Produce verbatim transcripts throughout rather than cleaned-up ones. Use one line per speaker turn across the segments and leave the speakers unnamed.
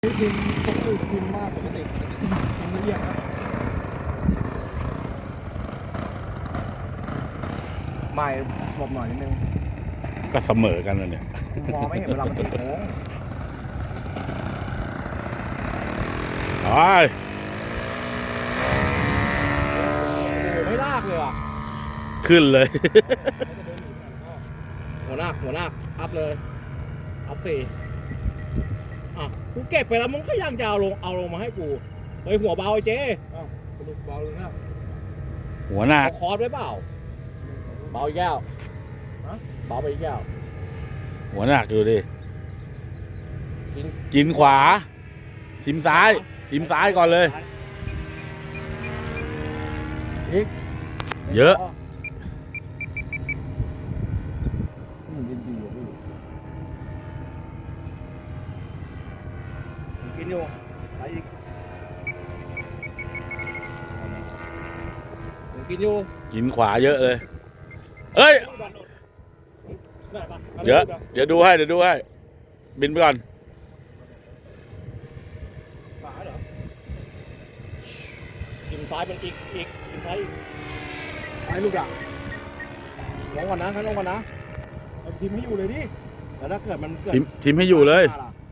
พิมพ์ปกติพิมพ์มากปกติพิมพ์ละเอียดครับไม่หลบหน่อยนิดนึง
ก็เสมอกันนะเนี่ย
มองไม่เห็นเวลามันติดโค้ง
โอ้ย
ไม่ลากเลยอ่ะ
ขึ้นเลย
หัวหน้าหัวหน้าอัพเลยอัพสี่อ่ะกูเก็บไปแล้วมึงก็ยังจะเอาลงเอาลงมาให้กูเฮ้ยหัวเบาไอ้เจ๊อ้าวสรุปเบาเลยนะ
หัวหน้า
เอาคอร์สไว้เปล่าเบาอีกแก้วเบาไปอีกแก้ว
หัวหนักอยู่ดิ
กิน
กินขวาทิมซ้ายทิมซ้ายก่อนเลย
อีก
เยอะ
กินอยู่ไปอีกกินอยู่
กินขวาเยอะเลยเอ้ยเดี๋ยวเดี๋ยวดูให้เดี๋ยวดูให้บินไปก่อน
ขวาเหรอกินซ้ายเป็นอีกอีกกินซ้ายอีกซ้ายลูกอ่ะลงก่อนนะให้ลงก่อนนะทีมให้อยู่เลยดิแล้วถ้าเกิดมันเกิด
ทีมทีมให้อยู่เลย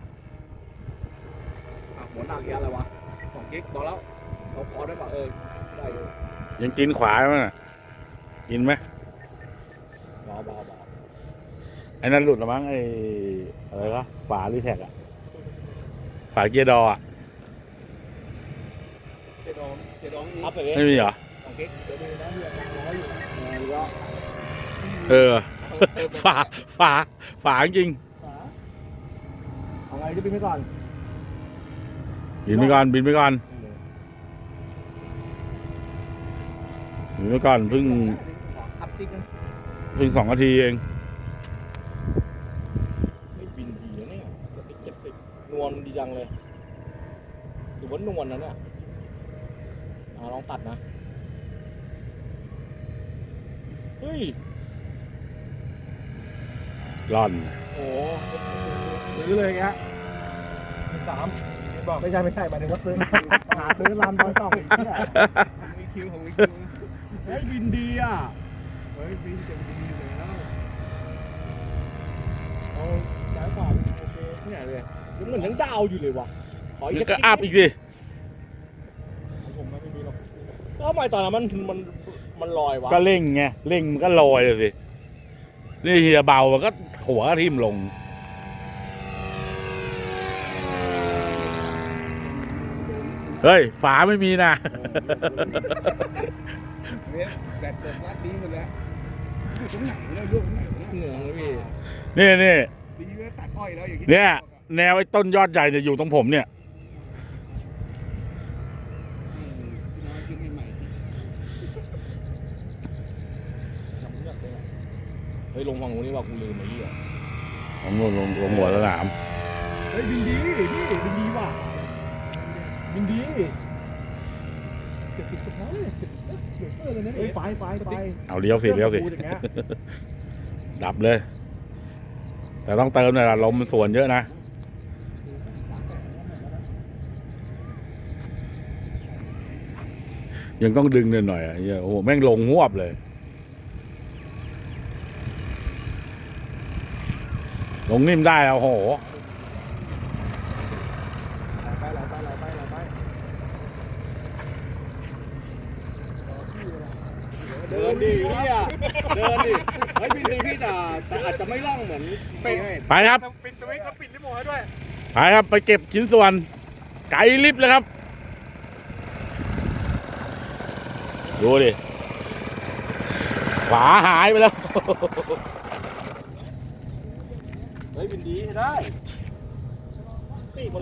หัวหนักแกอะไรวะสองกิ๊กบอกแล้วเขาคอได้ป่ะเออได้เลย
ยังกินขวาไหมน่ะกินไหม
บอบอบอ
ไอ้นั่นหลุดหรือมั้งไอ้อะไรวะฝารีแท็กอะฝาเกียร์ดออะ
เกียร์ดองเกียร์ดองนี่
ไม่มีเหรอ
สองกิ๊กเดี๋ยวดูนะเฮียกลางร้อยอยู่
เออฝาฝาฝาจริง
เอาไงจะบินไปก่อน
บินไปก่อนบินไปก่อนบินไปก่อนเพิ่งเพิ่งสองนาทีเอง
ไม่บินดีนะเนี่ยจะติดเจ็ดสิบนวลดีจังเลยหรือว่านวลนะเนี่ยลองตัดนะเฮ้ย
ร่อน
โอ้ซื้อเลยแกสามไม่ใช่ไม่ใช่หมายถึงว่าซื้อหาซื้อลำตอนสองอีกเนี่ยมีคิวของมีคิวเฮ้ยบินดีอ่ะเฮ้ยบินเจ๋งดีเลยแล้วเอาซ้ายขวาโอเคเนี่ยเลยมันเหมือนยังดาวอยู่เลยวะ
ขออีกก็อัพอีกดิ
ผมไม่มีหรอกแล้วทำไมตอนนั้นมันมันมันลอยวะ
ก็เร่งไงเร่งมันก็ลอยเลยสินี่เฮียเบามันก็หัวก็ทิ่มลงเฮ้ยฝาไม่มีนะ
แบบเปิดรัดดีหมดแล้วอยู่ตรงไหนแล้วลูกไหนเหนือเลยพี่
นี่นี่
ดีไว้ตัดอ้อยแล้วอย่างนี้
เนี่ยแนวไอ้ต้นยอดใหญ่จะอยู่ตรงผมเนี่ย
เฮ้ยลงฝั่งนู้นนี่ว่ากูลืมไอ้เหี้ย
ผมลงลงลงหัวสนาม
เฮ้ยบินดีพี่บินดีว่ะบินดีไปไปไป
เอาเลี้ยวสิเลี้ยวสิดับเลยแต่ต้องเติมหน่อยละลมมันส่วนเยอะนะยังต้องดึงหน่อยหน่อยอ่ะโอ้โหแม่งลงหวบเลยลงนิ่มได้แล้วโห
เดินดิพี่อ่ะเดินดิไม่บินดีพี่แต่แต่อาจจะไม่ล่องเหมือน
ไปครับ
ปิดสวิตช์เขาปิดรีโมทให้ด้วย
ไปครับไปเก็บชิ้นส่วนไกลลิฟต์เลยครับดูดิฝาหายไปแล้ว
เฮ้ยบินดีได้